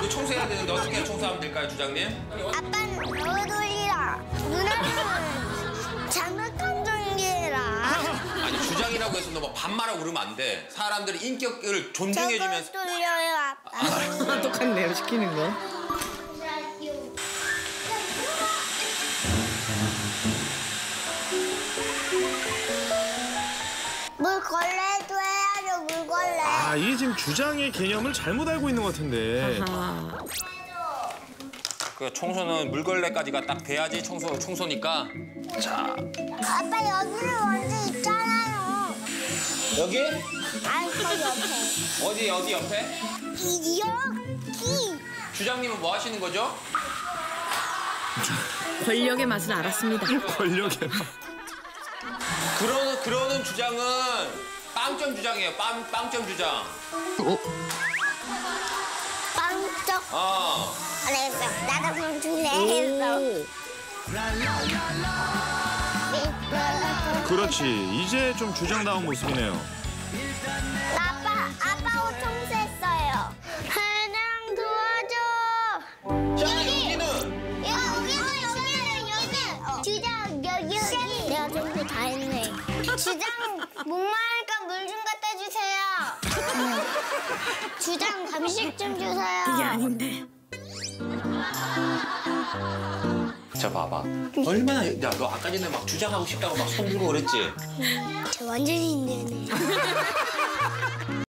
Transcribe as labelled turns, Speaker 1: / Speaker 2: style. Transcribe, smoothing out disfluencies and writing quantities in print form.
Speaker 1: 우리 청소해야 되는데 어떻게 청소하면 될까요, 주장님?
Speaker 2: 아빠는 너무 돌리라. 누나는 장난감 전기해라.
Speaker 1: 아니, 주장이라고 해서 너 막 반말하고 그러면 안 돼. 사람들이 인격을 존중해주면서.
Speaker 2: 저거 돌려요, 아빠.
Speaker 3: 똑같네요, 시키는 거.
Speaker 2: 물걸레도 해야죠, 물걸레.
Speaker 4: 아, 이게 지금 주장의 개념을 잘못 알고 있는 것 같은데.
Speaker 3: 아하.
Speaker 1: 그 청소는 물걸레까지가 딱 돼야지 청소니까. 자,
Speaker 2: 아빠 여기는 먼저 있잖아요.
Speaker 1: 여기?
Speaker 2: 아니, 저 옆에.
Speaker 1: 어디 옆에?
Speaker 2: 여기.
Speaker 1: 주장님은 뭐 하시는 거죠?
Speaker 3: 권력의 맛을 알았습니다.
Speaker 4: 권력의 맛.
Speaker 1: 그러는 주장은 빵점 주장이에요. 빵점 주장.
Speaker 2: 빵떡. 그래서 나도 그럼 줄래 했어.
Speaker 4: 그렇지. 이제 좀 주장다운 모습이네요.
Speaker 2: 아빠 옷 청소했어요. 하나랑 도와줘.
Speaker 1: 자, 여기는?
Speaker 2: 여기는. 주장, 여기. 내가 청소 다 했네. 주장, 목마르니까 물 좀 갖다 주세요. 주장, 간식 좀 주세요.
Speaker 3: 이게 아닌데.
Speaker 1: 자, 봐봐. 얼마나, 야, 너 아까 전에 막 주장하고 싶다고 막 손 들고 그랬지?
Speaker 2: 저 완전히 힘드네.